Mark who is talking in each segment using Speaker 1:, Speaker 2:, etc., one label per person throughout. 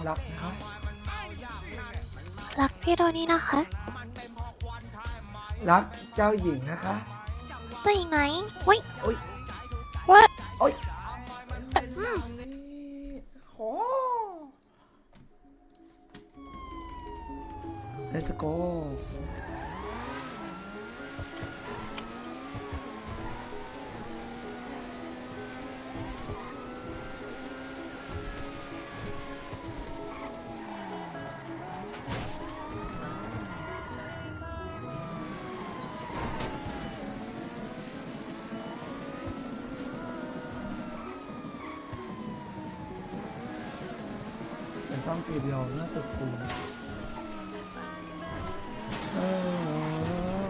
Speaker 1: รักนะคะ
Speaker 2: รักพี่โดนี่นะคะ
Speaker 1: รักเจ้าหญิงนะคะ
Speaker 2: ตัวอีกไหนเว้ย
Speaker 1: โอ้ย
Speaker 2: ว่า
Speaker 1: โอ้ย
Speaker 2: อืม
Speaker 1: โอ้ Let's go แต่ต้องทีเดียวน่าจะปูเออ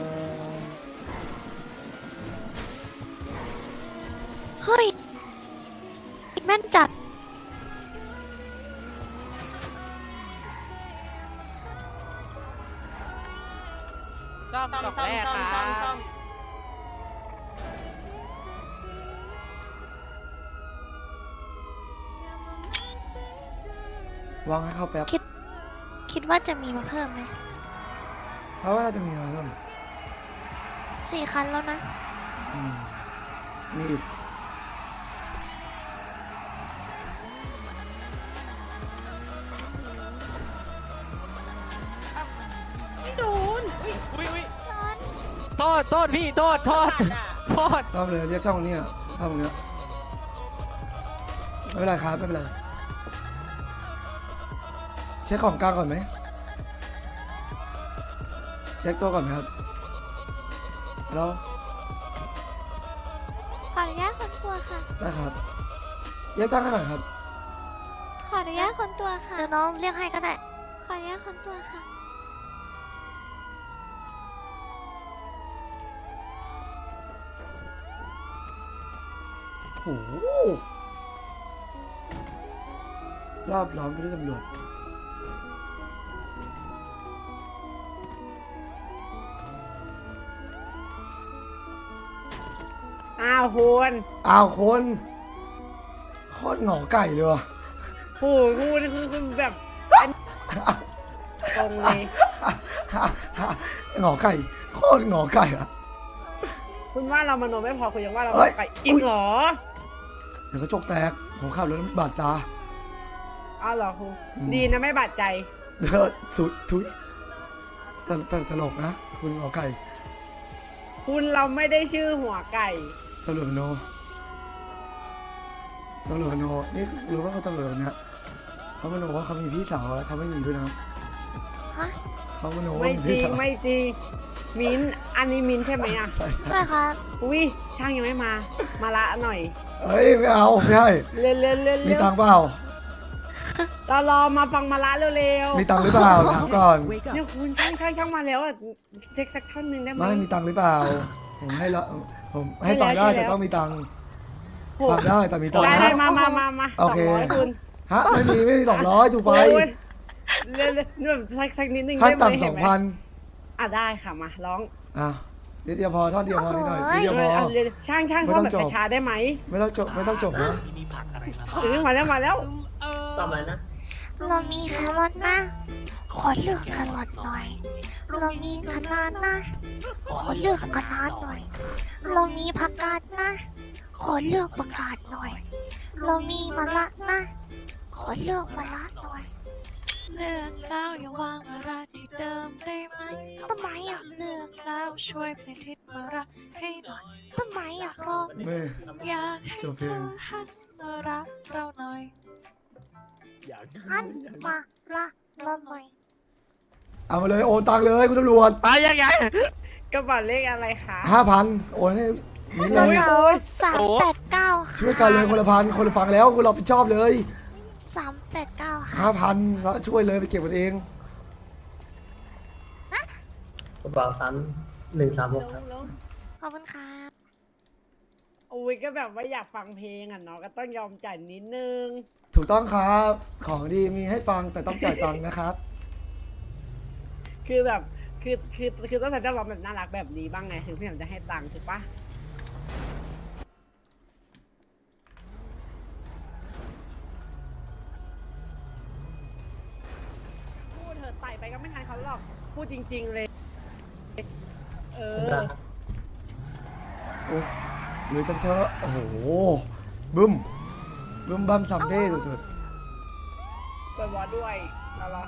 Speaker 2: เฮ้ยแม่นจัด
Speaker 3: ซ่อมดอกแรกครับ
Speaker 1: วางให้เข้าแป๊บ
Speaker 2: คิดว่าจะมีมาเพิ่มไหม
Speaker 1: เพราะว่าเราจะมีอะไรบ้าง
Speaker 2: 4 คันแล้วนะ
Speaker 1: มีอีก
Speaker 3: ไม่โดนอุ้ยโทษพี่โทษ
Speaker 1: ซ่อมเลยเรียกช่องนี้ช่องนี้ไม่เป็นไรครับไม่เป็นไรเช็คของกลางก่อนไหมเช็คตัวก่อนไหมครับแล้ว
Speaker 2: ขออนุญาตคนตัวค่ะ
Speaker 1: ได้ครับเรียกช่างขนาดครับ
Speaker 2: ขออนุญาตคนตัวค่ะ เดี๋ยวน้องเรียกให้ก็ได้ ขออนุญาตคนตัวค่ะ
Speaker 1: โอ้โหรอบล้อมไปด้วยตำรวจ
Speaker 4: อ้าวคุณ
Speaker 1: อ้าวคนโคตรหงอไก่เลยว่ะ
Speaker 4: โหคุณคือแบบตรงเลย
Speaker 1: หงอไก่โคตรหงอไก่อะ
Speaker 4: คุณว่าเรามโนไม่พอคุณยังว่าเรา
Speaker 1: เฮ้ย
Speaker 4: ไปอีกเหรอ
Speaker 1: เดี๋ยวกระจกแตกผมขับรถบาดตา
Speaker 4: อ้าวเหรอคุณ
Speaker 1: อืม
Speaker 4: ดีนะไม่บาดใจ
Speaker 1: เดี๋ยวสุดทุยตลกนะ คุณหงอไก่
Speaker 4: คุณเราไม่ได้ชื่อหัวไก่
Speaker 1: ตำรวจมโนตำรวจมโนนี่รู้ว่าเขาตำรวจคนเนี้ยเขามโนว่าเขามีพี่สาวแล้วเขาไม่มีด้วยนะ
Speaker 2: ฮะ
Speaker 1: เขามโนว่า
Speaker 4: ไม่
Speaker 1: มี
Speaker 4: จ
Speaker 1: พี่
Speaker 4: ริง
Speaker 1: สาว
Speaker 4: ไม่จริงมิ้นท์อันนี้มิ้นท์ใช่ไหมอ่ะ
Speaker 1: ใช่ใช่
Speaker 2: ใช่ครับ
Speaker 4: อุ้ยช่างยังไม่มา มาละหน่อย
Speaker 1: เฮ้ยไม่เอาไม่ให้
Speaker 4: เร็วเร็วเร็ว
Speaker 1: มีตังค์เปล่า
Speaker 4: เรารอมาฟังมาละเร็ว
Speaker 1: มีตังค์หรือเปล่าถามก่อน
Speaker 4: เนี่ยคุณช่างมาแล้วอ่ะเช็คสักท่อนหนึ่งได้ไหม
Speaker 1: ไม่มีตังค์หรือเปล่า ผมให้ละผมให้ฟังได้แต่ต้องมีตังค์
Speaker 4: โห
Speaker 1: ฟังได้แต่มีตังค์
Speaker 4: ได้
Speaker 1: นะ
Speaker 4: ได้มา
Speaker 1: โอเค
Speaker 4: 200คุณ
Speaker 1: ฮะไม่มี200ถูกไป
Speaker 4: โอ้ยเร็วๆแบบสักนิดนึง
Speaker 1: ขั้น
Speaker 4: ได้ไหม
Speaker 1: ต่ำ
Speaker 4: เห็นไหม
Speaker 1: 2,000
Speaker 4: อ่ะได้ค่ะมาร้อง
Speaker 1: อ่ะนิดเดียวพอท่อนเดียวพอนิดหน่อย
Speaker 2: โอ้
Speaker 1: นิ
Speaker 2: ย
Speaker 1: ดเดียวพอ
Speaker 4: เอาเร็วช่าง
Speaker 1: ไม่
Speaker 4: ชอบ
Speaker 1: ต้อง
Speaker 4: แบบ
Speaker 1: จบ
Speaker 4: ช้าๆได้ไหม
Speaker 1: ไม่ต้องจบไม่ต้องจบนะ
Speaker 4: ถึงมาแล้ว
Speaker 3: ซ่อมอะไรนะ
Speaker 2: เรามีแครอทนะ ขอเลือกแครอทหน่อย เรามีคะน้านะ ขอเลือกคะน้าหน่อย เรามีผักกาดนะ ขอเลือกผักกาดหน่อย เรามีมะระนะ ขอเลือกมะระหน่อย เลือกแล้วอย่าวางมะระที่เดิมได้ไหมทำไมอ่ะเลือกแล้วช่วยเปลี่ยนทิศมะระให้หน่อยทำไมอ่ะเพราะ
Speaker 1: ไม่
Speaker 2: อยากให้
Speaker 1: จบเพ
Speaker 2: เธ
Speaker 1: ลง
Speaker 2: อหันมารักเราหน่อยหันมารักเราหน่อย
Speaker 1: เอามาเลยโอนตังค์เลยคุณตำรวจ
Speaker 3: ไปยังไง
Speaker 4: กระเป๋าเลขอะไรคะ
Speaker 1: 5,000โอนให้มิ้น
Speaker 2: เรา
Speaker 1: เลย
Speaker 2: เรา389ค่ะ
Speaker 1: ช่วยกันเลยคนละพันคนละฟังแล้วคุณเราผิดชอบเลย
Speaker 2: 389ค่ะ
Speaker 1: 5,000แล้วช่วยเลยไปเก็บกันเอง
Speaker 5: กระเป๋าซัน136ครับ
Speaker 4: ลง
Speaker 2: ขอบคุณครับ
Speaker 4: โอ้ยก็แบบว่าอยากฟังเพลงอ่ะเนาะก็ต้องยอมจ่ายนิดนึง
Speaker 1: ถูกต้องครับของดีมีให้ฟังแต่ต้องจ่ายตังค์นะครับ
Speaker 4: คือแบบคือต้องใส่เจ้าร้องแบบน่ารักแบบนี้บ้างไงถึงพี่ผมจะให้ตังค์ถูกปะไปก็ไม่ทันเขาหรอกพูดจริง ๆเลย เอ
Speaker 5: ผม
Speaker 4: อ
Speaker 5: ได้
Speaker 1: โอ้ลุยกันเถอะโอ้โหบึ้มบึ้มบั้มซัมเบ้สุด
Speaker 4: เปิดวอลด้วยแล้วเหรอ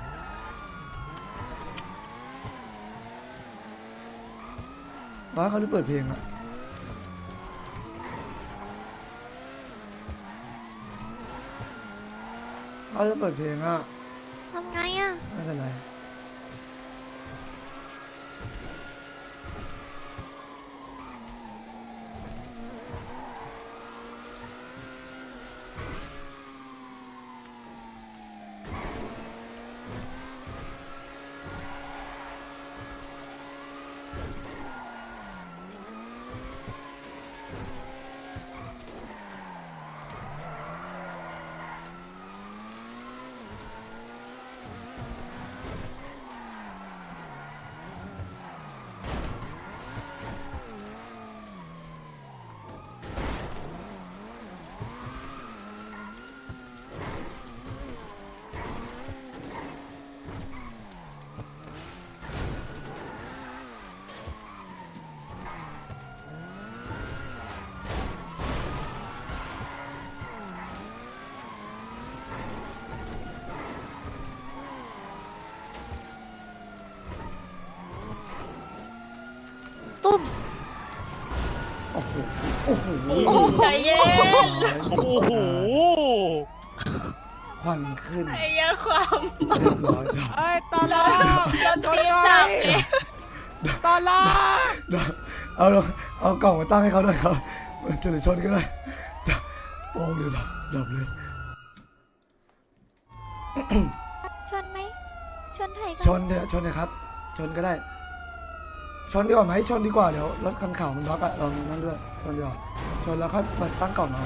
Speaker 1: ๆบ้าเขาเลยเปิดเพลงอะเขาเลยเปิดเพลงอะ
Speaker 2: ทำไงอ่ะ
Speaker 1: ไม่เป็นไร
Speaker 2: ตุ้ม
Speaker 1: โอ้โหโอ้โห
Speaker 4: ใจเย็น
Speaker 3: โอ้โห
Speaker 1: ควันขึ้น
Speaker 4: ไอ้เหี้ยอะความ
Speaker 1: เรียบร้อยดับ
Speaker 3: เอ้ยตอนแรก
Speaker 4: โดนทีมจับเอง
Speaker 3: ตอนแรก
Speaker 1: ดับเอาลงเอากล่องมาตั้งให้เขาด้วยครับมันจะชนก็ได้ดับโป้งเดี๋ยวดับเลย
Speaker 2: ชนไหมชนไทยกั
Speaker 1: ชนเถอะชนเลยครับ ชนก็ได้ ชนดีกว่าไหมชนดีกว่าเดี๋ยวรถคันขาวมันบล็อกอะลองนั่นด้วยชนดีกว่าชนแล้วค่อยมาตั้งกล่องเอา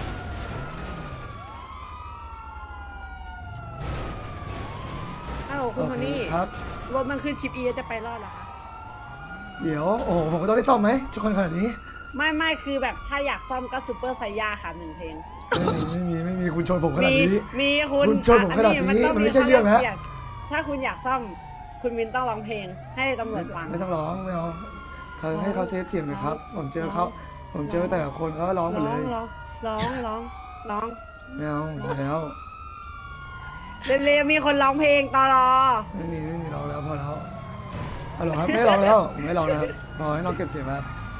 Speaker 4: อ้าวคุณโทนี่
Speaker 1: ครับ
Speaker 4: รถมันขึ้นชิปอีจะไปรอดเหรอคะ
Speaker 1: เดี๋ยวโอ้โหผมก็ต้องได้ซ่อมไหมชุกคนขนาดนี้
Speaker 4: ไม่คือแบบถ้าอยากซ่อมก็ซูเปอร์ไซย่าค่ะ1 เพลง
Speaker 1: ไม่มีคุณชนผมขนาดนี้
Speaker 4: มีคุณ
Speaker 1: คุณชนผมขนาดนี้มันไม่ใช่เรื่องนะ
Speaker 4: ถ้าคุณอยากซ่อมคุณวินต้องร้องเพลง ให้ตำรวจฟัง
Speaker 1: ไม่ต้องร้องไม่เอาเขาให้เขาเซฟเสียงหนะครับ ผมเจอเขาผมเจอแต่ละคนเขาก็ร้องหมดเลย
Speaker 4: ร้อง
Speaker 1: ไม่เอาพอแล้ว
Speaker 4: เร็วๆมีคนร้องเพลงตลอ
Speaker 1: ไม่มีร้องแล้วพอแล้วเอาหรอครับไม่ร้องแล้วผมไม่ร้องแล้วครับพอให้น้องเก็บเสียงแล้ว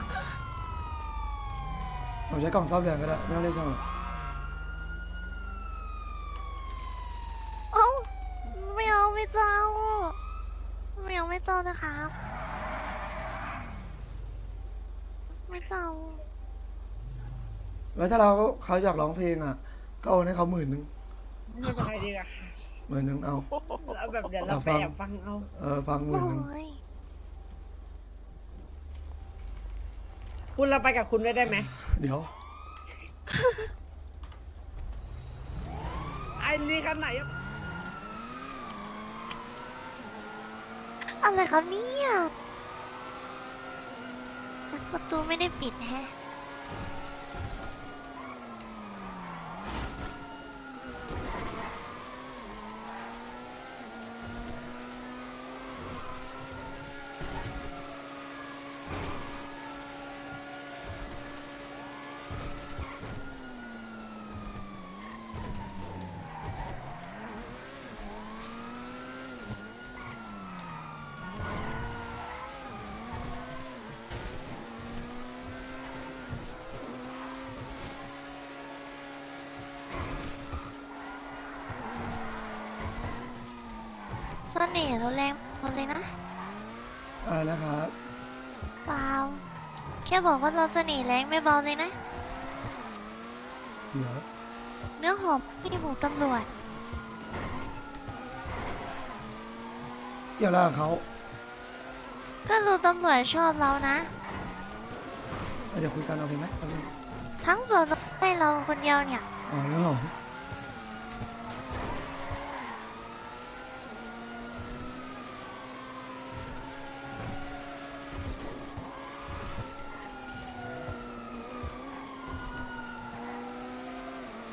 Speaker 1: ผมใช้กล่องซ่อมแรงก็ได้ไม่ต้องเรียกช่างหรอก
Speaker 2: เอ้าไม่เอาไม่เจ้าไม่เอาไม่เจ้านะครับ ไม่เจ้า
Speaker 1: แล้วถ้าเขาอยากร้องเพลงอ่ะ ก็โอนให้เขา10,000
Speaker 4: ไม่เป็นไรดีกว่าค่ะ
Speaker 1: 10,000เอา
Speaker 4: แล้วแบบเดี๋ยวเราไปแอบฟังเอา
Speaker 1: ฟัง
Speaker 2: โอ้
Speaker 1: 10,000
Speaker 2: ย
Speaker 4: คุณเราไปกับคุณได้ไหม
Speaker 1: เดี๋ยว
Speaker 4: ไอ้นี่คันไหนอะ
Speaker 2: อะไรครับเนี่ยประตูไม่ได้ปิดแฮะ เสน่ห์เราแรงหมดเลยนะ
Speaker 1: อะไรนะครับ
Speaker 2: เปล่าแค่บอกว่าเราเสน่ห์แรงไม่เบาเลยนะ
Speaker 1: เดี๋ยว
Speaker 2: เนื้อหอมพี่หมูตำรวจ
Speaker 1: เกี่ยวอะไรกับเขา
Speaker 2: ก็รู้ตำรวจชอบเรานะ
Speaker 1: เดี๋ยวคุยกันเอาเพลงไหมเอาเพลง
Speaker 2: ทั้งส่วนให้เราคนเดียวเนี่ย
Speaker 1: อ๋อเรื่องของ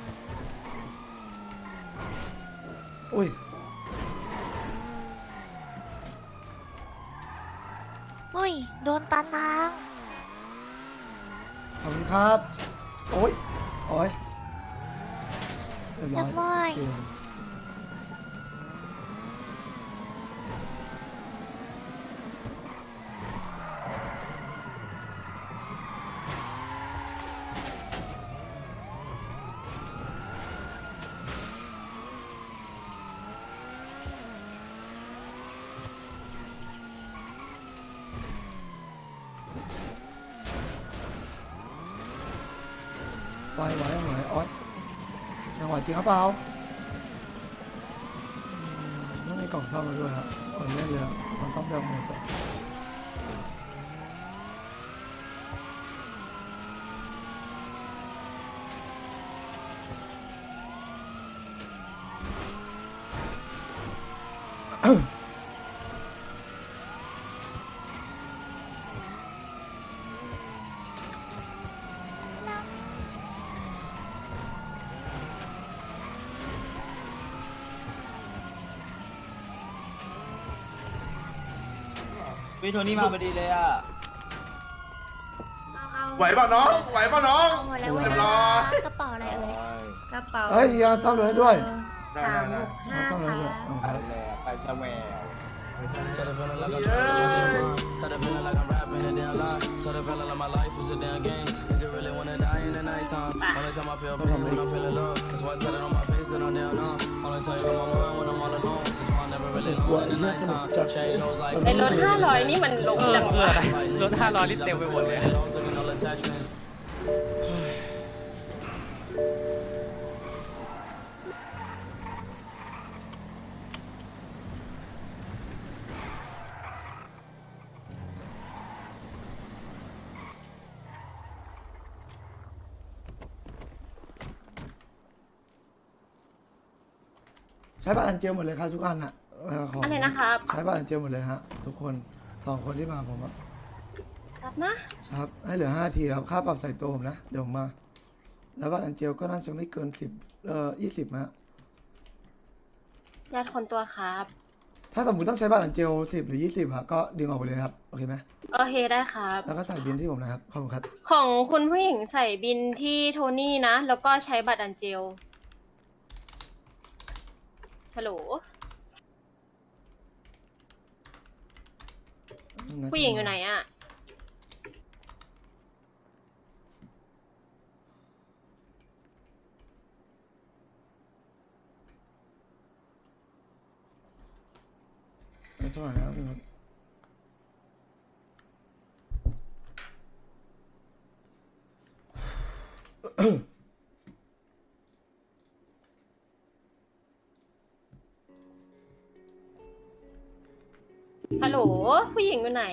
Speaker 1: อุ้ย
Speaker 2: ตานาง
Speaker 1: ขอบคุณครับโอ้ยโอ้ยเรียบร้อย
Speaker 2: เรียบร้อย
Speaker 1: เกมไหวโอ๊ยยังไหวจริงครับเปล่าต้องมีกล่องซ่อมมาด้วยครับคนเล่นเลยมันต้องเดิมหมดอะ
Speaker 6: วิโทนี่มาพอดีเลยอ่ะ
Speaker 7: ไหวป่ะน้อง ไหวป่ะน้อง
Speaker 2: หมดแล้ว
Speaker 7: เรียบร้อย
Speaker 2: กระเป๋าอะไรเอ่ยกระเป๋า
Speaker 1: เฮ้ยยาซ่อมเลยด้วย
Speaker 2: 365
Speaker 1: ซ่อมเลยด้วย
Speaker 2: ค่ะ
Speaker 1: ครับ
Speaker 6: ไปสแวร์
Speaker 8: Tell the feeling like I'm Tell the feeling like I'm rapping a damn lie. Tell the feeling like my life is a damn game. Nigga really wanna die in the nighttime. Only time I feel pain when I'm feeling love. That's why I said it on my face that I'm down on. Only time you on my mind when I'm all alone. That's why I never really alone in the nighttime. Change shows like
Speaker 3: ไอ้รถ500นี่มันลงจังวะรถ500ลิตรเต็มไปหมดเลย
Speaker 8: attachments.
Speaker 1: ใช้บัตรอันเจลหมดเลยครับทุกอันอ่ะของ
Speaker 2: อะไรนะครับ
Speaker 1: ใช้บัตรอันเจลหมดเลยฮะทุกคน2 คนที่มาผมอะ
Speaker 2: ครับนะ
Speaker 1: ครับให้เหลือ5 ทีครับค่าปรับใส่ตัวผมนะเดี๋ยวผมมา แล้วบัตรอันเจลก็น่าจะไม่เกิน20ฮะ
Speaker 2: ญาติคนตัวครับ
Speaker 1: ถ้าสมมติต้องใช้บัตรอันเจล10 หรือ 20อะก็ดึงออกไปเลยนะครับโอเคไหม
Speaker 2: โอเคได้ครับ
Speaker 1: แล้วก็ใส่บินที่ผมนะครับขอบคุณครับ
Speaker 2: ของคุณผู้หญิงใส่บินที่โทนี่นะ แล้วก็ใช้บัตรอันเจลฮัลโหลผู้หญิงอยู่ไหนอะ
Speaker 1: ไม่ต้องแล้วนะครับ
Speaker 2: ฮัลโหลผู้หญิงอยู่ไหน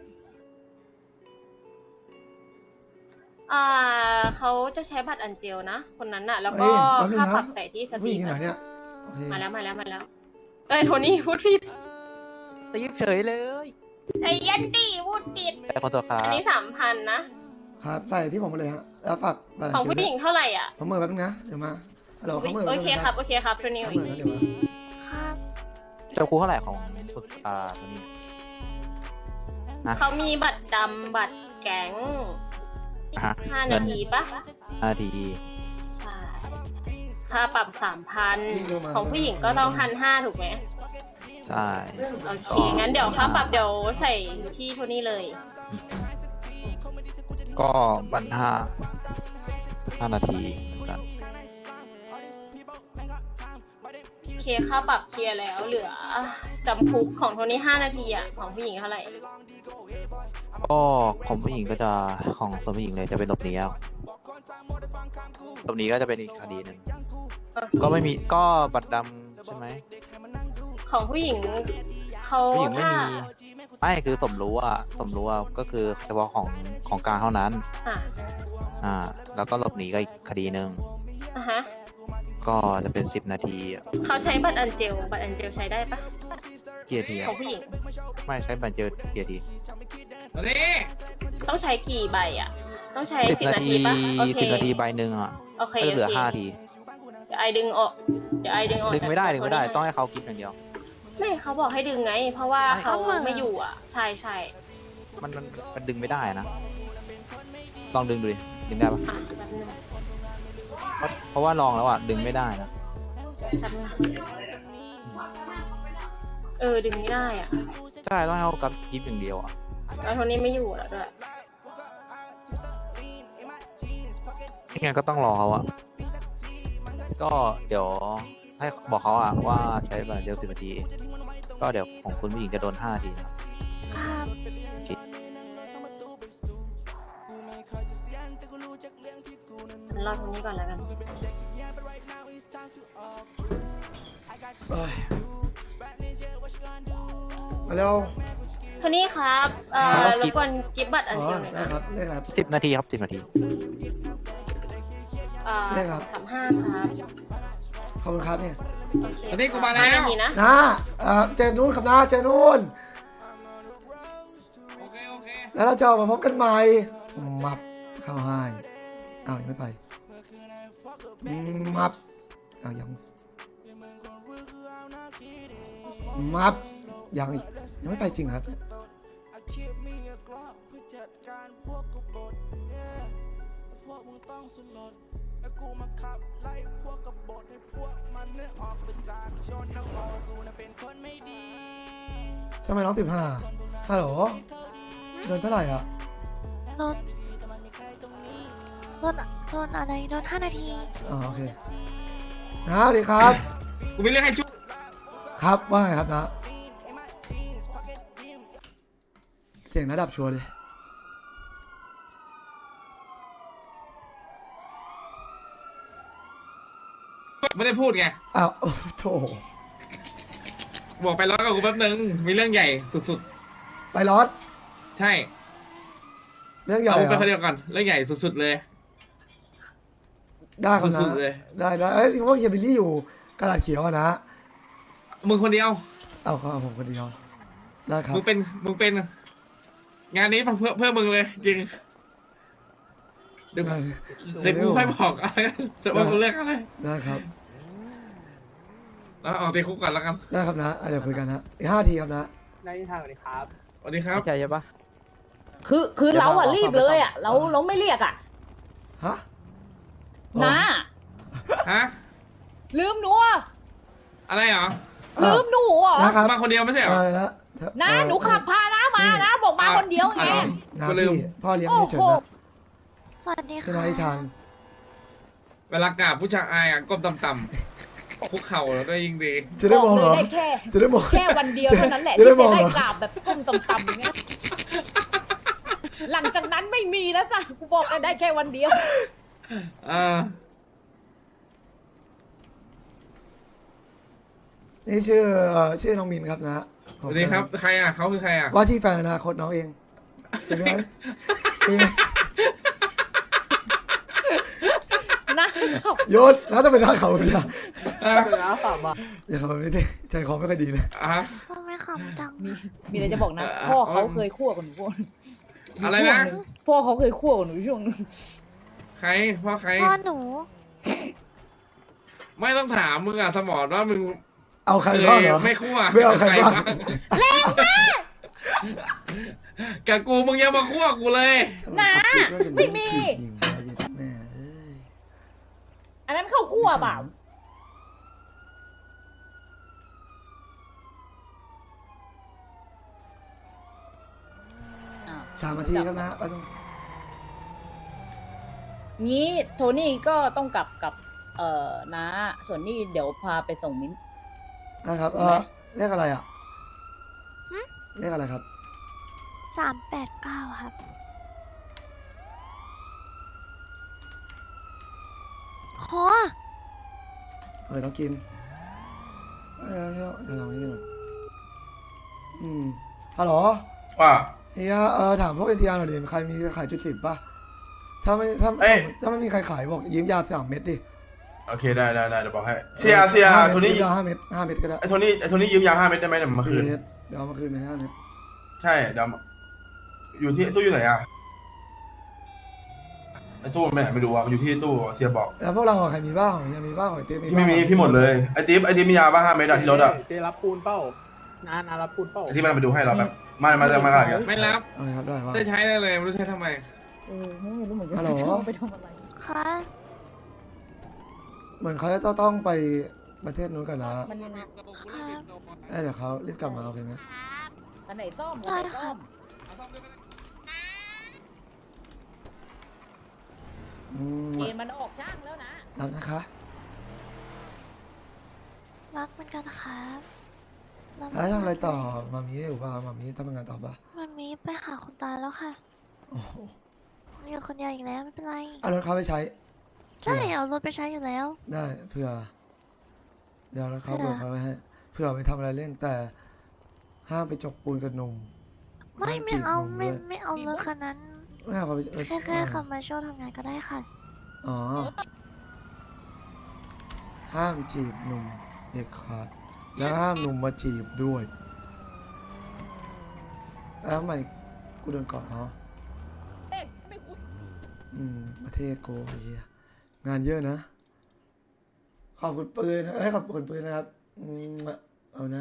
Speaker 2: เขาจะใช้บัตรอันเจลนะคนนั้นอะแล้วก็ค่าปรับใส่ที่ส
Speaker 1: ผู้
Speaker 2: ตรี
Speaker 1: หญิงอยู่ไหน
Speaker 2: ม
Speaker 1: เนี่ยโอเค
Speaker 2: มาแล้วเอ้ยโทนี่พูดผิด
Speaker 3: ตีเฉยเลย
Speaker 2: ไอ้ยันดี้พูดผิด
Speaker 3: แต่ขอตัวครับ
Speaker 2: อันนี้3,000นะครับ
Speaker 1: ใส่ที่ผมมาเลยฮะแล้วฝากบัตรอัน
Speaker 2: ของ
Speaker 1: เจล
Speaker 2: ผู้
Speaker 1: ด้
Speaker 2: ห
Speaker 1: ว
Speaker 2: ญิ
Speaker 1: ย
Speaker 2: งเท่าไหร่อ่ะ
Speaker 1: ผมเมื่อแป๊บนึงนะเดี๋ยวมาฮัลโหลเขาเมื่อ
Speaker 2: โอเคครับโอเคครับโทนี่
Speaker 1: เขาเมื่อแล้วเดี๋ยวมา
Speaker 2: ครับ
Speaker 3: เจ้าครูเท่าไหร่ของคุณตัวนี้ ฮะ
Speaker 2: เขามีบัตรดำบัตรแก๊ง
Speaker 3: ฮะ
Speaker 2: 5 นาทีปะ
Speaker 3: 5 นาที
Speaker 2: ใช่ค่าปรับ 3,000 ของผู้หญิงก็ต้อง1,500ถูกไหม
Speaker 3: ใช่
Speaker 2: โอเคงั้นเดี๋ยวค่าปรับเดี๋ยวใส่ที่โทนี่เลย
Speaker 3: ก็บัน5 นาทีเหมือนกัน
Speaker 2: โอเคค่าปรับเคลียร์แล้วเหลือจำคุกของโทนี่5 นาทีอ่ะของผู้หญิงเท่าไหร่
Speaker 3: ก็ของผู้หญิงก็จะของส่วนผู้หญิงเลยจะเป็นหลบหนีแล้วหลบหนีก็จะเป็นอีกคดีหนึ่งก็ไม่มีก็บัตรดำใช่ไหม
Speaker 2: ของผู้หญิงเขา
Speaker 3: ผู้หญิงไม่
Speaker 2: ถ้า
Speaker 3: มีไม่คือสมรู้อ่ะก็คือเฉพาะของกลางเท่านั้น
Speaker 2: อ่ะ
Speaker 3: แล้วก็หลบหนีก็อีกคดีหนึ่ง
Speaker 2: อ่ะฮะ
Speaker 3: ก็จะเป็น10 นาทีอะ
Speaker 2: เขาใช้บัตรอันเจลใช้ได้ปะ
Speaker 3: กี่นาที
Speaker 2: ข
Speaker 3: อะ
Speaker 2: องผู้หญิง
Speaker 3: ไม่ใช้บัตรเจอกี่นาที
Speaker 2: ต้องใช้กี่ใบอ่ะ ต้องใช้
Speaker 3: 10
Speaker 2: 10 นาทีปะโอเค
Speaker 3: 10 นาทีใบหนึ่งอ่ะ
Speaker 2: โอเค
Speaker 3: ก็จะเหลือ
Speaker 2: โอเค
Speaker 3: 5 นาที
Speaker 2: เดี๋ยวไอดึงออก
Speaker 3: ดึงไม่ได้ต้องให้เขาคิดอย่างเดียว
Speaker 2: ไม่เขาบอกให้ดึงไง เพราะว่าเขาไม่อยู่อ่ะ ใช่
Speaker 3: มันดึงไม่ได้นะลองดึงดูดิดึงได้ปะ
Speaker 9: อ่ะแป๊บนึง
Speaker 3: เพราะว่าลองแล้วอ่ะดึงไม่ได้นะ
Speaker 9: แป๊บนึงดึงไม่ได้อ่ะ
Speaker 3: ใช่ต้องให้เขากับยิบอย่างเดียวอ่ะ
Speaker 9: แล้วโทนี่ไม่อยู่แล้วด้วย
Speaker 3: ยังไงก็ต้องรอเขาอ่ะก็เดี๋ยวให้บอกเขาอ่ะว่าใช้แบบเดียว10 นาทีก็เดี๋ยวของคุณผู้หญิงจะโดน5 นาทีนะครับ
Speaker 2: ครับ
Speaker 9: งั้นรอโทนี่ก่อนแล้วกัน
Speaker 1: เอ้ยมาเร็ว
Speaker 9: โทนี่ครับ
Speaker 3: ครับ
Speaker 9: รบกวนกิฟต์บัตรอัน
Speaker 1: อ๋อ
Speaker 9: เดียวหน่อย
Speaker 1: ได้
Speaker 9: นะครับ
Speaker 1: ได้ครับ
Speaker 3: 10 นาทีครับ10 นาที
Speaker 1: ได้ครับ
Speaker 9: 35ครับ
Speaker 1: ขอบคุณครับเนี่ย
Speaker 9: โอเค
Speaker 6: โทนี่กูมาแล้ว
Speaker 9: 5 นาทีนะ
Speaker 1: นะเจอนู่นครับนะเจอนู่น
Speaker 6: โอเคโอเค
Speaker 1: แล้วเราจะออกมาพบกันใหม่มับเข้าให้อ้าวยังไม่ไปมับอ้าวยังมับยังอีกยังไม่ไปจริงครับทำไมน้อง15ฮัลโหลโดนเท่าไหร่อ่ะ
Speaker 2: โดนอะไรโดน5 นาที
Speaker 1: อ๋อโอเคนะสวัสดีครับ
Speaker 6: กูมีเรื่องให้ช่วย
Speaker 1: ครับว่าไงครับนะเสียงระดับชัวร์เลย
Speaker 6: ไม่ได้พูดไง
Speaker 1: อ้าวโถ
Speaker 6: บอกไปร้อยกับกูแป๊บนึงมีเรื่องใหญ่สุด
Speaker 1: ไปรอด
Speaker 6: ๆ ใช่
Speaker 1: เรื่องใหญ่
Speaker 6: เอา
Speaker 1: เหร
Speaker 6: ไป
Speaker 1: อ
Speaker 6: คนเดียวก่อนเรื่องใหญ่สุดๆเลย
Speaker 1: ได้ครับนะ
Speaker 6: สุดๆเลย
Speaker 1: ได้เอ้ยที่ว่าเฮียบิลลี่อยู่กระดาษเขียวอะนะ
Speaker 6: มึงคนเดียว
Speaker 1: เอาเขาเอาผมคนเดียวได้ครับ
Speaker 6: มึงเป็นงานนี้เพื่อมึงเลยจริงเดี๋ยว
Speaker 1: ได้
Speaker 6: เดี๋ยวกูค่อยบอกอะไรกันจะว่ากูเลือกอะไร
Speaker 1: ได้ครับ
Speaker 6: แล้วออกตีคุกก่อนแล้วกัน
Speaker 1: ได้ครับนะเดี๋ยวคุยกันนะอีก5 ทีครับนะ
Speaker 5: ได้ทางสวัสดีครับ
Speaker 6: สวัสดีครับ
Speaker 3: ใช่ใช่ปะ
Speaker 10: คือเราอะรีบเลยอะเราไม่เรียกอะ
Speaker 1: ฮะ
Speaker 10: นะ
Speaker 6: ฮะ
Speaker 10: ลืมหนูอะ
Speaker 6: อะไรเหรอ
Speaker 10: ลืมหนูเหรอ
Speaker 1: นะครับ
Speaker 6: มาคนเดียวไม่ใช่เหรอ
Speaker 1: อะไรนะ
Speaker 10: นะหนูขับพานะมานะบอกมาคนเดียวไง
Speaker 6: อ๋อเหรอ
Speaker 1: นะ
Speaker 6: กูลืม
Speaker 1: พี่พ่อเลี้ยง
Speaker 10: โอ้
Speaker 1: เฉย
Speaker 10: โห
Speaker 1: ๆนะ
Speaker 2: สวัสดี
Speaker 1: จะ
Speaker 2: ค่ะ
Speaker 1: ได้ทาน
Speaker 6: เวลากราบผู้ชายอายอ่ะก้มต่ำๆคุกเข่าแล้วก็ยิ่งดี
Speaker 1: จะได้มองเหรอ
Speaker 10: ได้แค่
Speaker 1: จะได้มอง
Speaker 10: แค่วันเดียวเท่านั้นแหละ
Speaker 1: จะได้
Speaker 10: ที่
Speaker 1: ม
Speaker 10: จะ
Speaker 1: องเหรอ
Speaker 10: ได้กราบแบบก้มต่ำๆอย่างเงี้ยหลังจากนั้นไม่มีแล้วจ้ะกูบอกเลยได้แค่วันเดียว
Speaker 1: นี่ชื่อน้องมินครับนะ
Speaker 6: สวัสดีครับใครอ่ะเขาคือใครอ่ะ
Speaker 1: ว่าที่แฟนอนาคตน้องเองเป็นไงเป็นไง
Speaker 10: นะเขา
Speaker 1: โยนแล้วจะเป็นท่าเขาเนี่ย
Speaker 6: อ่ะ
Speaker 1: อย่าขับแบบนี้ดิใจคอไม่ค่อยดีเลย
Speaker 6: อ่ะ
Speaker 2: ทำไมขำจัง
Speaker 10: มีอะไรจะบอกนะพ่อเขาเคยคั่วกับหนูพ่อ
Speaker 6: อะไรนะ
Speaker 10: พ่อเขาเคยคั่วกับหนูช่วงนึง
Speaker 6: ใครพ่อใคร
Speaker 2: พ่อหนู
Speaker 6: ไม่ต้องถามมึงอ่ะสมองว่ามึง
Speaker 1: เอาใครบ้างเหรอ
Speaker 6: ไม่คั่ว
Speaker 1: ไม่เอาใครบ้าง
Speaker 10: แรงมาก
Speaker 6: กับกูมึงยังมาคั่วกูเลย
Speaker 10: นะไม่มี
Speaker 1: ยิงไปยิงแม่เอ้ย
Speaker 10: อันนั้นเข้าคั่วเปล่า
Speaker 1: 3 นาทีครับนะแป๊บนึง
Speaker 10: งี้โทนี่ก็ต้องกลับกับน้าส่วนนี่เดี๋ยวพาไปส่งมิ้น
Speaker 1: นะครับเลขอะไรอ่ะเลขอะไรครับ
Speaker 2: 389 ครับโห
Speaker 1: ต้องกินเดี๋ยวลองนิดนึงก่อนฮัลโหล
Speaker 7: ว่า
Speaker 1: เฮียถามพวกเอทีอาร์หน่อยดิใครมีขายจุด10ป่ะถ้าไม่มีใครขายบอกยืมยา3 เม็ดดิ
Speaker 7: โอเคได้เดี๋ยวบอกให้เสียโทนี่
Speaker 1: ยา5 เม็ด5 เม็ดก็ได้
Speaker 7: ไอ้โทนี่ยืมยา5 เม็ดได้ไหมเดี๋ยวมาคืน
Speaker 1: เม็ดเดี๋ยวเอามาคืนเป็น5 เม็ด
Speaker 7: ใช่เดี๋ยวอยู่ที่ตู้อยู่ไหนอ่ะไอ้ตู้มันไปไหนไม่รู้อ่ะมันอยู่ที่ตู้เสียบอก
Speaker 1: แล้วพวกเราใครมีบ้างของยังมีบ้างของเต้มี
Speaker 7: พี่ไม่มีพี่หมดเลยไอ้ติ๊บมียาบ้า5 เม็ดอะที่รถอ่ะ
Speaker 5: เจรับปูนเป้านารับพูดเปล่า
Speaker 7: ที่มันมาดูให้เราแบบมากัน
Speaker 6: ไม่รับ
Speaker 1: เอาเลยครับได้ว่า
Speaker 6: จะใช้ได้เลยไม่รู้ใช้ทำไม
Speaker 10: ไม่รู้เหมือนกั
Speaker 1: ฮัลโหล
Speaker 10: จะเอาไปทำอะไร
Speaker 2: ค่ะ
Speaker 1: เหมือนเขาจะต้องไปประเทศนู้นกันนะ
Speaker 10: มัน
Speaker 2: ค่ะ
Speaker 1: เดี๋ยวเขารีบกลับมาโอเคไหม
Speaker 10: อันไหนซ่อม
Speaker 2: ได้
Speaker 10: อันไหน
Speaker 2: ค่ะ
Speaker 10: ซ่อม
Speaker 1: อืม
Speaker 10: เกณฑ์มันออกช่างแล้วนะ
Speaker 1: รักนะคะ
Speaker 2: รักเหมือนกันครับแล้ว
Speaker 1: แล้วทำอะไรต่อมามีอยู่ป่ะมามีทำงานต่อป่ะ
Speaker 2: มันมีไปหาคุณตาแล้วค่ะ
Speaker 1: โอ้โห
Speaker 2: อยู่คนเดียวอีกแล้วไม่เป็นไร
Speaker 1: เอารถเขาไปใช้
Speaker 2: ใช่เอารถไปใช้อยู่แล้ว
Speaker 1: ได้เผื่อ เดี๋ยวเขา
Speaker 2: เผื่
Speaker 1: เบิ
Speaker 2: อ
Speaker 1: กเขาไว้ให้เผื่อไปทำอะไรเล่นแต่ ห้ามไปจกปูนกับหนุ่ม
Speaker 2: ไม่
Speaker 1: ห้
Speaker 2: ไม่
Speaker 1: จีบ
Speaker 2: เอา
Speaker 1: หนุ่
Speaker 2: ไม่
Speaker 1: ด้วย
Speaker 2: ไม่เอารถคันนั้น
Speaker 1: ไม่เอาเขาไป
Speaker 2: แค่ขับมาช่วยทำงานก็ได้ค่ะ
Speaker 1: อ๋อ ห้ามจีบหนุ่มเด็กขาด แล้วห้ามหนุ่มมาจีบด้วยแล้วทำไมกูโดนก่อนอ๋อ
Speaker 10: เอ๊ะไม่คุย
Speaker 1: ประเทศโกไอ้เหี้ยงานเยอะนะ ขอบคุณปืนขอบคุณปืนนะครับเอานะ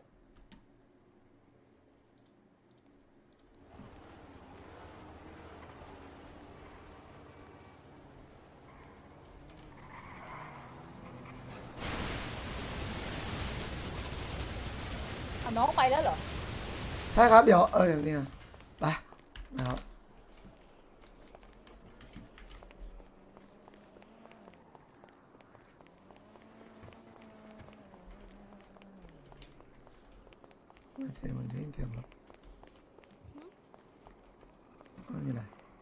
Speaker 10: เอาน้องไปแล้วเหรอ
Speaker 1: ใช่ครับเดี๋ยวเดี๋ยวเนี่ยไปนะครับเสียงมันได้ยินเสียงรถไม่มีอะไร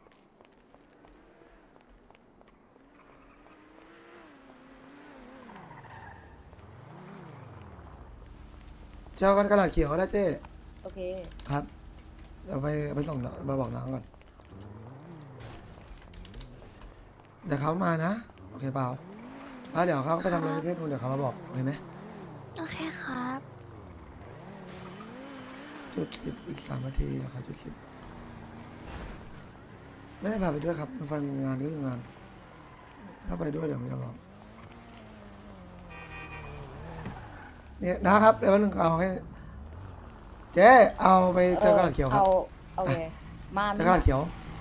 Speaker 1: เจ้ากันกระดาษเขียวก็ได้เจ้
Speaker 10: โอเค
Speaker 1: ครับ เดี๋ยวไปส่งน้องไปบอกน้องก่อน เดี๋ยวเขามานะ โอเคเปล่าแล้วเดี๋ยวเขาไปทำอะไรประเทศนู้นเดี๋ยวเขามาบอกเห็นไหม
Speaker 2: โอเคครับ
Speaker 1: จุดสิบอีก3 นาทีนะครับจุดสิบไม่ได้พาไปด้วยครับมันฟังงานก็คืองาน ถ้าไปด้วยเดี๋ยวมันจะบอกเนี่ยนะครับ เดี๋ยววันหนึ่งเอาให้ เจ๊เอาไปเจอกระดาษเขียวครับ
Speaker 10: โอเค มา
Speaker 1: เจอกระดาษเขียว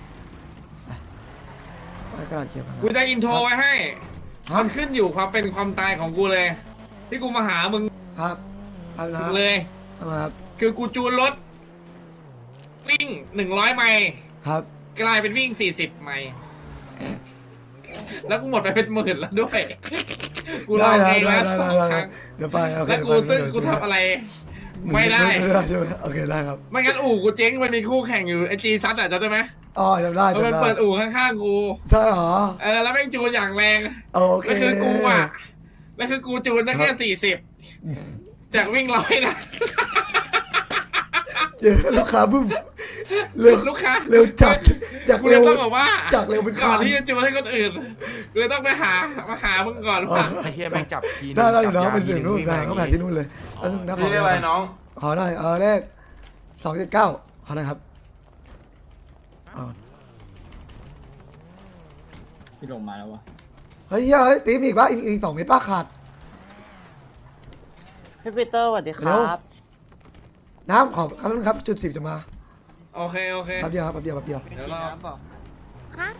Speaker 1: ไปกระดาษเขียวกันนะ
Speaker 6: กูจะอินโทรไว้ให้
Speaker 1: ฮะ
Speaker 6: มันขึ้นอยู่ความเป็นความตายของกูเลย ที่กูมาหามึง
Speaker 1: ครับเอานะ
Speaker 6: เลย
Speaker 1: ทำไมครับ
Speaker 6: คือกูจูนรถ วิ่ง100 ไมล์
Speaker 1: ครับ
Speaker 6: กลายเป็นวิ่ง40 ไมล์แล้วกูหมดไปเป็น10,000แล้วด้วย กูลองเองแล้วสองครั้ง
Speaker 1: เดี๋ยวไปโอเค
Speaker 6: แล้วกูซึ่งกูทำอะไร ไม่ได้
Speaker 1: ไม่ได้ใช่ไหมโอเคได้ครับ
Speaker 6: ไม่งั้นอู่กูเจ๊งมันมีคู่แข่งอยู่ไอจีซัดอ่ะจำได้ไหม
Speaker 1: อ๋อจำได้
Speaker 6: มัน
Speaker 1: จำได้
Speaker 6: เปิดอู่ข้างๆกู
Speaker 1: ใช่เหรอ
Speaker 6: แล้วแม่งจูนอย่างแรง
Speaker 1: โอเค
Speaker 6: แล้วคือกูอ่ะแล้วคือกูจูนได้แค่40จากวิ่ง100นะ
Speaker 1: เจอลูกค้าบึ้มเร็ว
Speaker 6: ลูกค้า
Speaker 1: เร็วจาก
Speaker 6: กูเล
Speaker 1: เร็
Speaker 6: ยว ต้องบอกว่า
Speaker 1: จากเร็วเป็น
Speaker 6: ก่อน
Speaker 1: คาน
Speaker 6: ที่จะจูนให้คนอื่นกูเลยต้องไปมาหามึงก่อนว่า
Speaker 3: ไอ้เฮียแม่งจับทีนึง
Speaker 1: ได้อยู่
Speaker 3: จั
Speaker 1: นะ
Speaker 3: บ
Speaker 1: เป็นเสียงนู่น
Speaker 3: ที
Speaker 1: นะเขาแผนที่นู่นเลยแล้วนึงนะ
Speaker 7: ชื่ออะไรน้อง
Speaker 1: ขอหน่อยเลข279ขอหน่อยครับเอา
Speaker 5: พี่ลงมาแล้ววะ
Speaker 1: เฮ้ยตีมีอีกป่ะอีก2 เม็ดป้าขาด
Speaker 5: พี่ปีเตอร์สวัสดีค
Speaker 1: เร็
Speaker 5: รั
Speaker 1: ว
Speaker 5: บ
Speaker 1: น้ำขอบครับจุด10จะมา
Speaker 6: โอเค
Speaker 1: แป๊บเดียวครับแป๊บเดียว
Speaker 6: เดี๋ยวรอ
Speaker 2: ฮะ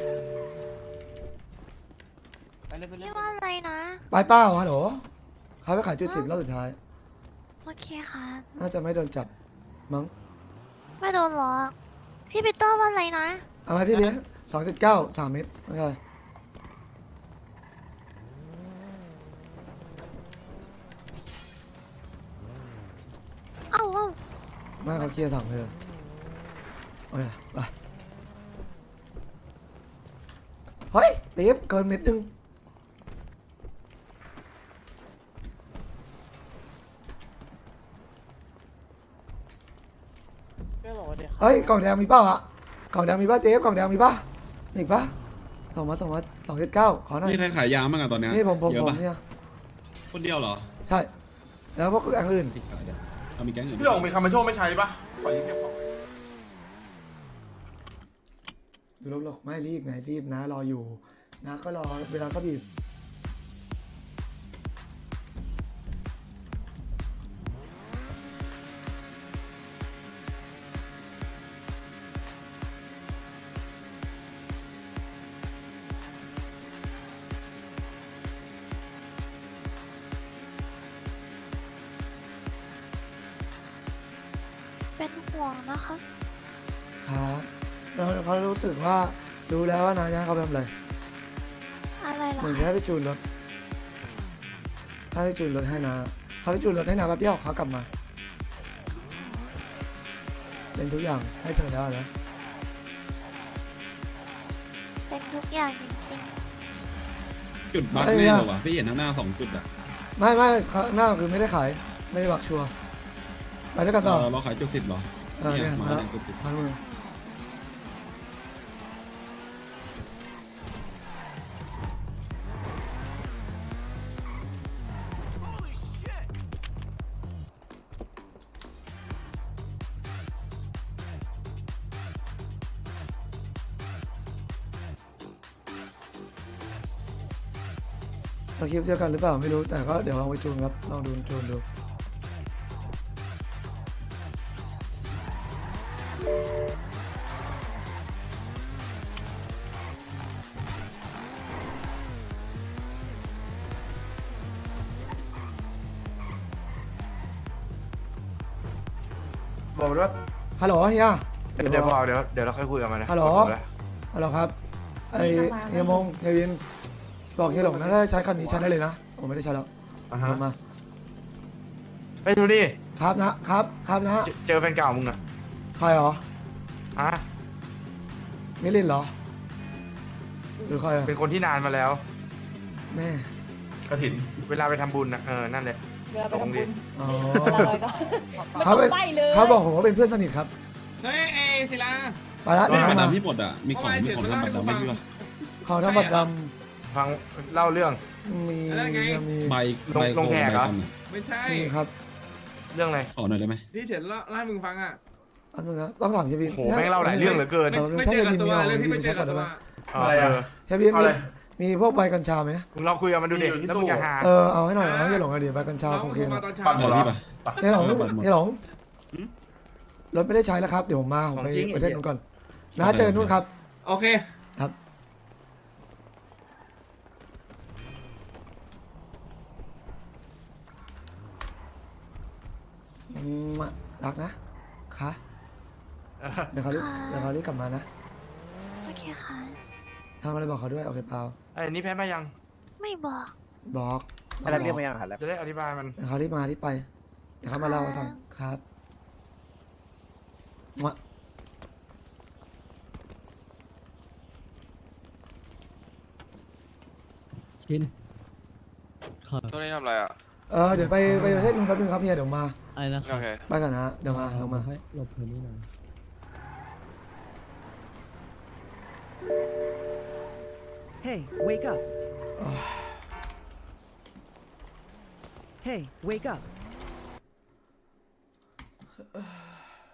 Speaker 2: พี่ว่าอะไรนะ
Speaker 1: ไปเป้าฮัลโหลเขาไปขายจุด10รอบสุดท้าย
Speaker 2: โอเคครับ
Speaker 1: น่าจะไม่โดนจับมั้ง
Speaker 2: ไม่โดนหรอก พี่ปีเตอร์ว่าอะไรนะ
Speaker 1: เอาไหมพี่เลี้ยง279 3 เม็ดโอเค
Speaker 2: เอ้า
Speaker 1: ไม่เขาเคลียร์ถังเลยโอเคไปเฮ้ยตีฟเกินเม็ดนึงเฮ้ยกล่องแดงมีเป้าอะกล่องแดงมีป่ะเจ๊กล่องแดงมีป่ะมีอีกป่ะส่งมา279ขอหน่อย
Speaker 11: นี่ใครขายยาบ้างอะตอนเนี้ย
Speaker 1: นี่ผม
Speaker 11: เยอะปะ
Speaker 1: เนี่ย
Speaker 11: คนเดียวเหรอ
Speaker 1: ใช่แล้วพวกอย่างอื่น
Speaker 11: ขายเดี๋ยวเอามีแก๊งอื่น
Speaker 7: พี่หลงมีคำมาโชว์ไม่ใช้ปะขอยืมเก็บของ
Speaker 1: ดูลกๆไม่รีบไงรีบนะรออยู่นะก็รอเวลาก็บีบ
Speaker 2: เป็นห่วงนะคะ
Speaker 1: ครับแล้วเขารู้สึกว่ารู้แล้วว่านาจะให้เขาไปทำอะไร
Speaker 2: อะไรเหรอ
Speaker 1: เหมือน
Speaker 2: คะ
Speaker 1: ให้ไปจูนรถให้ไปจูนรถให้นาเขาไปจูนรถให้นาแป๊บเดียวเขากลับมา เป็นทุกอย่างให้เธอแล้วนะ
Speaker 2: เป็นทุกอย่างจริง
Speaker 11: จุดบัคแน่เลยวะพี่เห็นข้างหน้า2 จุดอะ
Speaker 1: ไม่ข้างหน้าคือไม่ได้ขายไม่ได้บักชัวร์ไปด้วยกันต่อ
Speaker 11: เราขายจุด10เหรอ
Speaker 1: เนี่ย
Speaker 11: มา
Speaker 1: มาแล้ว
Speaker 11: จุด10
Speaker 1: พันมือสคริปต์เดียวกันหรือเปล่าไม่รู้แต่ก็เดี๋ยวลองไปจูนครับลองดูจูนดู
Speaker 7: บอกว่า
Speaker 1: ฮัลโหลเฮีย
Speaker 7: เดี๋ยวบอกเดี๋ยวเราค่อยคุยกันมานะ
Speaker 1: ฮัลโหลฮัลโหลครับไอเฮียมงเฮียวินบอกเฮียหลงนะถ้าใช้คันนี้ใช้ได้เลยนะผมไม่ได้ใช้แล้ว
Speaker 7: อ่ะฮะ
Speaker 1: ลงมา
Speaker 7: ไปดูดิ
Speaker 1: ครับนะครับนะ
Speaker 7: เจอแฟนเก่ามึงอะ
Speaker 1: ใครเหรอ
Speaker 7: อ่ะ
Speaker 1: มิลินเหรอหรือใครอะ
Speaker 7: เป็นคนที่นานมาแล้ว
Speaker 1: แม่
Speaker 7: กระถินเวลาไปทำบุญนะนั่นแหละ
Speaker 10: เรือไปทำบุญ
Speaker 1: อ๋อ
Speaker 10: อะไรก็ไม่
Speaker 1: เขา
Speaker 10: ต้
Speaker 1: เป็
Speaker 10: อน งไปเลย
Speaker 1: เขาบอกผมว่าเป็นเพื่อนสนิทครับ
Speaker 6: เฮ้ยเอศิลา
Speaker 1: ไปละ
Speaker 11: ก็
Speaker 1: เดี๋ยว
Speaker 11: บัตร
Speaker 1: มา
Speaker 11: ดำที่หมดอะมีของทำบัตรดำไม่พี่วะ
Speaker 1: ของทำบัตรด
Speaker 7: ฟังเล่าเรื่อง
Speaker 1: ำมีมี
Speaker 11: ใบ
Speaker 7: ลงแขกเหรอ
Speaker 11: ใบคอมอะ
Speaker 6: ไม่ใช่
Speaker 1: มีครับ
Speaker 7: เรื่องอะไร
Speaker 11: ขอหน่อยได้ไหม
Speaker 6: ที่เฉินเล่าให้มึงฟังอ่ะ
Speaker 1: อันนึงนะต้องถามเฮียวิน
Speaker 7: โหแม่งเล่าหลายเรื่องเหลือเกิน
Speaker 6: ไม่เจอกับตัวเรื่องที่ไม่เจอกับตัว
Speaker 7: อะไรอะ
Speaker 1: เฮียวินมีพวกใบกัญชาไหม
Speaker 7: มึงเราคุยกันมาดูเด็กแล้วมึงอย่าหา
Speaker 1: เอาให้หน่อยเอาให้เฮียหลงหน่อยดิใบกัญชา
Speaker 6: น้อง
Speaker 1: โอเค
Speaker 6: โทรมา
Speaker 1: นะ
Speaker 6: ตอนเช้า
Speaker 11: บัตรพี่ปะ
Speaker 1: เฮียหลงเฮียหลงรถไม่ได้ใช้แล้วครับเดี๋ยวผมมาผมไปประเทศนู้นก่อนนะเจอกันนู้นครับ
Speaker 6: โอเค
Speaker 1: ครับรักนะคะเดี๋ยวเขารีบกลับมานะ
Speaker 2: โอเคค่ะ
Speaker 1: ทำอะไรบอกเขาด้วยโอเคเปล่า
Speaker 7: ไอ้นี่แพ้มายัง
Speaker 2: ไม่บอก
Speaker 1: บอก
Speaker 5: อะไรเรียกมายังครับ
Speaker 7: จะได้อธิบายมัน
Speaker 1: เดี๋ยวเขารีบมารีบไปเดี๋ยวเขามาเล่าให้ฟังครับมะ
Speaker 5: ชิน
Speaker 3: ช่วงนี้ทำอะไรอ่ะ
Speaker 1: เดี๋ยวไปประเทศนู้นแป๊บนึงครับเฮียเดี๋ยวมา
Speaker 5: อะไรนะ
Speaker 3: โอเค
Speaker 1: ไปก่อนนะเดี๋ยวมาลงมา
Speaker 5: ให้หลบพื้นที่หน่อย
Speaker 8: Hey, wake up. Hey, wake up.